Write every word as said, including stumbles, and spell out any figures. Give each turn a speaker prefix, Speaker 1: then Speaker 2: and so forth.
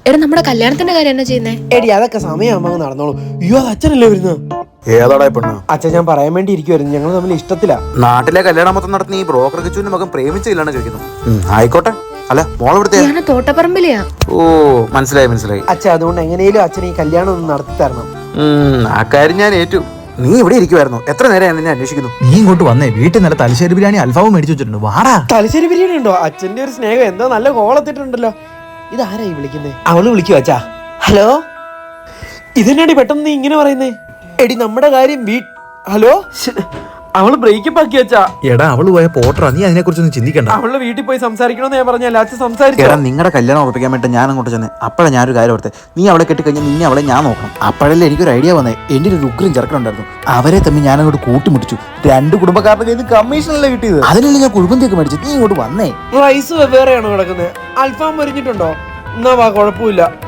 Speaker 1: എടാ നമ്മുടെ കല്യാണത്തിന്റെ കാര്യം എന്നാ ചെയ്യുന്നേ?
Speaker 2: എടി അതൊക്കെ സമയമാകുമ്പോ നടന്നോളൂ. അയ്യോ അത് അച്ഛനല്ലേ വരുന്നത്?
Speaker 3: ഏതാടാ പെണ്ണ്?
Speaker 2: അച്ഛൻ ഞാൻ പറയാൻ വേണ്ടി ഇരിക്കുവായിരുന്നു, ഞങ്ങൾ തമ്മിൽ ഇഷ്ടത്തിലാ.
Speaker 3: നാട്ടിലെ കല്യാണം മൊത്തം നടത്തുന്ന ഈ ബ്രോക്കർ കിച്ചുവിന്റെ മകൻ പ്രേമിച്ചില്ലാണ് കഴിക്കുന്നു. ആയിക്കോട്ടെ. അല്ല മോളെവിടുത്തെ?
Speaker 1: ഞാൻ തോട്ടപ്പറമ്പിലെയാ.
Speaker 3: ഓ മനസ്സിലായി മനസ്സിലായി.
Speaker 2: അച്ഛൻ അതുകൊണ്ട് എങ്ങനെയും അച്ഛൻ ഈ കല്യാണം ഒന്ന് നടത്തി തരണം.
Speaker 3: ആ കാര്യം ഞാൻ ഏറ്റു. നീ ഇവിടെ ഇരിക്കുവായിരുന്നു, എത്ര നേരം നിന്നെ അന്വേഷിക്കുന്നു.
Speaker 4: നീ ഇങ്ങോട്ട് വന്നേ, വീട്ടിൽ നല്ല തലശ്ശേരി ബിരിയാണി അൽഫാവും മേടിച്ചു വെച്ചിട്ടുണ്ട്. വാടാ.
Speaker 2: തലശ്ശേരി ബിരിയാണി ഉണ്ടോ? അച്ഛന്റെ ഒരു സ്നേഹം എന്താ നല്ല കോളത്തിട്ടുണ്ടല്ലോ. ഇതാരായി വിളിക്കുന്നേ? അവള് വിളിക്കുവോ അച്ഛാ? ഹലോ, ഇതെന്നാടി പെട്ടെന്ന് നീ ഇങ്ങനെ പറയുന്നേ? എടി നമ്മുടെ കാര്യം വീ ഹലോ അവള് ബ്രേക്കപ്പ് ആക്കി വെച്ചാ.
Speaker 4: എടാ അവള് പോയ പോട്ടറാ, നീ അതിനെ കുറിച്ചൊന്നും ചിന്തിക്കണ്ട.
Speaker 2: അവളുടെ വീട്ടിൽ പോയി സംസാരിക്കണമെന്ന് ഞാൻ പറഞ്ഞല്ല. അച്ഛൻ സംസാരിച്ചു.
Speaker 3: എടാ നിങ്ങളുടെ കല്യാണം ഉറപ്പിക്കാൻ വേണ്ടി ഞാൻ അങ്ങോട്ട് ചെന്നേ. അപ്പോഴാണ് ഞാനൊരു കാര്യം ഓർത്തെ, നീ അവളെ കെട്ടിക്കഴിഞ്ഞാൽ നിന്നെ അവളെ ഞാൻ നോക്കണം. അപ്പോഴല്ലേ എനിക്കൊരു ഐഡിയ വന്നേ. എൻ്റെ ഒരു ഉഗ്രം ചെറുക്കനുണ്ടായിരുന്നു, അവരെ തമ്മിൽ ഞാൻ അങ്ങോട്ട് കൂട്ടിമുട്ടിച്ചു. രണ്ട് കുടുംബക്കാരുടെ കയ്യിൽ നിന്ന് കമ്മീഷനല്ലേ കിട്ടിയത്. അതിനല്ലേ ഞാൻ കുടുംബത്തേക്ക് മേടിച്ചു. നീ ഇങ്ങോട്ട് വന്നേ.
Speaker 2: റൈസ് വെവ്വേറെയാണോ കിടക്കുന്നത്? അൽഫാം മരിഞ്ഞിട്ടുണ്ടോ? എന്നാ വാ, കുഴപ്പമില്ല.